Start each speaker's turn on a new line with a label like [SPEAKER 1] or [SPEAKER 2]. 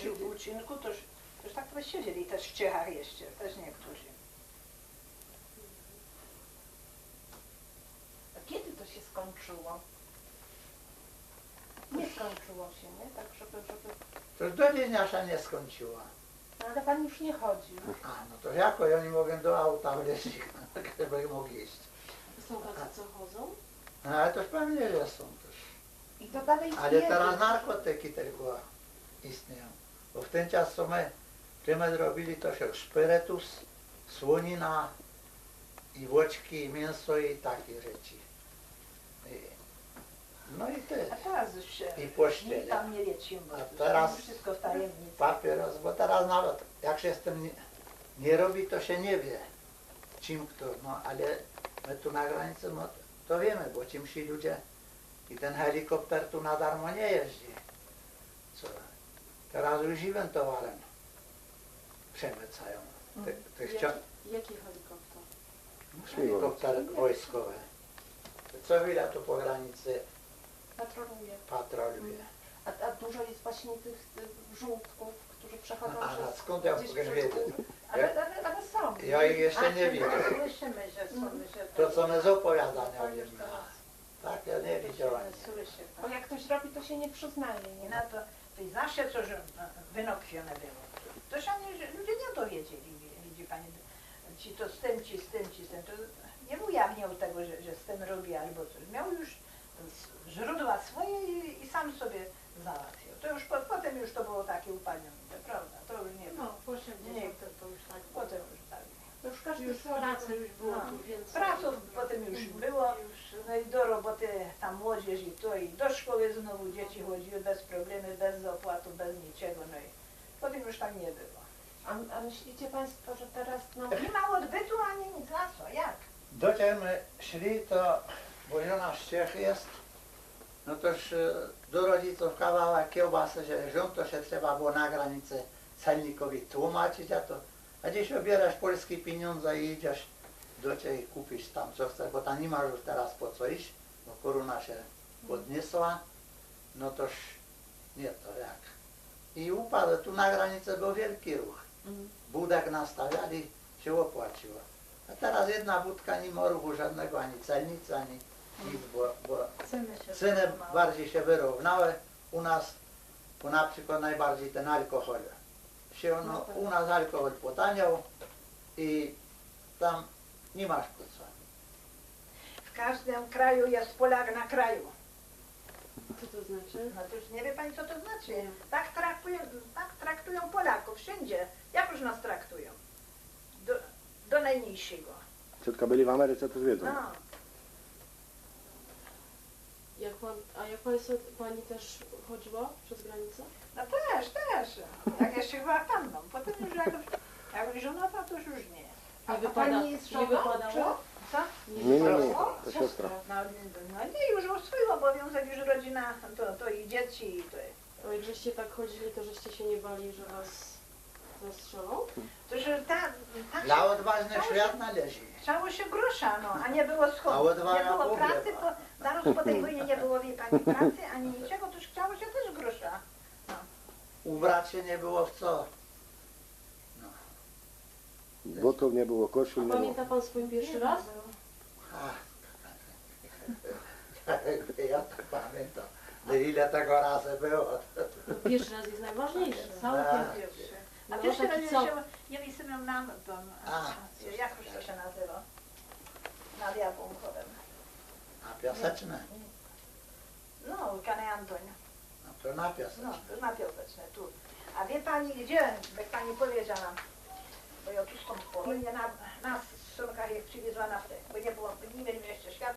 [SPEAKER 1] jeździł w uczynku, to już tak to siedzieli też w Ciechach jeszcze, też niektórzy.
[SPEAKER 2] A kiedy to się skończyło? Nie skończyło się, nie? Tak, żeby...
[SPEAKER 3] To już do dziś nasza nie skończyła.
[SPEAKER 2] No, ale pan już nie chodził.
[SPEAKER 3] A, no to jako ja nie mogę do auta wleźć, żeby mógł jeść.
[SPEAKER 4] Są tacy, co chodzą?
[SPEAKER 3] No, ale to już pewnie, że są też.
[SPEAKER 2] I to dalej istnieje.
[SPEAKER 3] Ale teraz narkotyki tylko istnieją. Bo w ten czas, co my zrobili, to się szpyretus, słonina i włoczki, i mięso i takie rzeczy. No i te
[SPEAKER 1] A teraz już się
[SPEAKER 3] i pościele.
[SPEAKER 1] nikt tam nie wieci, bo
[SPEAKER 3] A
[SPEAKER 1] już
[SPEAKER 3] teraz
[SPEAKER 1] wszystko w tajemnicy.
[SPEAKER 3] papieros, bo teraz nawet jak się z tym nie robi, to się nie wie, czym kto, no ale my tu na granicy, no to wiemy, bo czym ci ludzie i ten helikopter tu na darmo nie jeździ. Co? Teraz już żywym towarem przemycają.
[SPEAKER 4] Jaki helikopter?
[SPEAKER 3] Helikopter wojskowy. Co chwila tu po granicy
[SPEAKER 2] Patroluje.
[SPEAKER 3] patroluje.
[SPEAKER 2] A dużo jest właśnie tych żółtków, którzy przechodzą
[SPEAKER 3] A
[SPEAKER 2] przez...
[SPEAKER 3] skąd ja
[SPEAKER 2] gdzieś
[SPEAKER 3] mogę
[SPEAKER 2] przez-
[SPEAKER 3] wiedzieć?
[SPEAKER 2] Ale są.
[SPEAKER 3] Ja ich jeszcze nie widzę.
[SPEAKER 1] Słyszymy, że są, że
[SPEAKER 3] To co my z opowiadania
[SPEAKER 1] to już
[SPEAKER 3] wiemy.
[SPEAKER 1] teraz.
[SPEAKER 3] Tak, ja nie widziałem.
[SPEAKER 1] Słyszy
[SPEAKER 2] Bo
[SPEAKER 1] pan.
[SPEAKER 2] jak ktoś robi, to się nie przyznaje,
[SPEAKER 1] I
[SPEAKER 2] nie?
[SPEAKER 1] na to i zawsze coś wynokwione było. To się ludzie nie dowiedzieli, widzi pani. Ci to z tym, ci z tym, ci z tym. To nie ujawniał tego, że z tym robi albo coś. Miał już źródła swoje i sam sobie załatwiał. To już potem już to było takie upalnione, prawda? To już nie było.
[SPEAKER 4] No, po 80 to już tak.
[SPEAKER 1] Potem już tak.
[SPEAKER 2] To już każdy
[SPEAKER 4] Już
[SPEAKER 2] swoje.
[SPEAKER 4] pracy już było
[SPEAKER 1] No.
[SPEAKER 4] tu więcej.
[SPEAKER 1] Praców potem już było, no i do roboty tam młodzież i to, i do szkoły znowu dzieci chodziły bez problemu, bez opłatu, bez niczego, no i potem już tak nie było.
[SPEAKER 2] A myślicie Państwo, że teraz, no...
[SPEAKER 1] Nie ma odbytu ani nic, na co, jak?
[SPEAKER 3] Docie my szli, to bo żona z Czech jest, no toż do rodziców kawałek kiełbasy, że rząd to się trzeba było na granicy celnikowi tłumaczyć, a dziś obierasz polskie pieniądze i idziesz do Ciebie i kupisz tam co chcesz, bo tam nie masz już teraz po co iść, bo korona się podniosła, no toż nie to jak. I upadł, tu na granicy był wielki ruch. Budek nastawiali, się opłaciło. A teraz jedna budka nie ma ruchu żadnego, ani celnicy, ani nic, bo ceny bardziej się wyrównały. U nas, bo na przykład najbardziej ten alkohol się, no, u nas alkohol potaniał i tam nie masz po co.
[SPEAKER 1] W każdym kraju jest Polak na kraju.
[SPEAKER 4] Co to znaczy?
[SPEAKER 1] No to już nie wie pani co to znaczy. Tak traktują Polaków wszędzie. Jak już nas traktują? Do najmniejszego.
[SPEAKER 5] Ciotka byli w Ameryce, to wiedzą.
[SPEAKER 1] No.
[SPEAKER 4] Jak Państwo, Pani też chodziła przez granicę?
[SPEAKER 1] No też. Jak jeszcze była panną. Potem już jak żonata, to już nie.
[SPEAKER 2] A Pani jest
[SPEAKER 4] nie
[SPEAKER 2] żoną,
[SPEAKER 4] wypadało?
[SPEAKER 1] Co?
[SPEAKER 5] Nie, to siostra.
[SPEAKER 1] No nie, już o swój obowiązek, już rodzina, to i dzieci, i to.
[SPEAKER 4] A jak żeście tak chodzili, to żeście się nie bali, że Was zastrzelą?
[SPEAKER 1] To że
[SPEAKER 3] Dla odważnych świat należy.
[SPEAKER 1] Chciało się grosza, no, a nie było
[SPEAKER 3] A
[SPEAKER 1] schodu.
[SPEAKER 3] odwaga
[SPEAKER 1] Nie było
[SPEAKER 3] pogrzeba.
[SPEAKER 1] pracy, zaraz po tej wojnie nie było wie pani pracy, ani niczego, to już chciało się też grosza.
[SPEAKER 3] Ubrać się nie było w co.
[SPEAKER 5] Butów nie było, koszul
[SPEAKER 4] A
[SPEAKER 5] nie było.
[SPEAKER 4] pamięta Pan swój pierwszy raz?
[SPEAKER 3] Ja to pamiętam. Ile tego razy było.
[SPEAKER 4] Pierwszy raz jest najważniejszy.
[SPEAKER 1] Całkiem pierwszy. A
[SPEAKER 4] No,
[SPEAKER 1] pierwszy raz
[SPEAKER 4] taki co?
[SPEAKER 1] ja wysyłam nam to, jak już to się nazywa? Nad Jabłonkovem.
[SPEAKER 3] A piaseczne?
[SPEAKER 1] No, Kane Antoń.
[SPEAKER 3] No to na piaseczne.
[SPEAKER 1] No, to na Piaseczne, tu. A wie pani gdzie, jak pani powiedziała, bo ja tu stąd po wojnie nas w sunkach jak przywiezła naftę, bo nie było, nie mieliśmy jeszcze światła.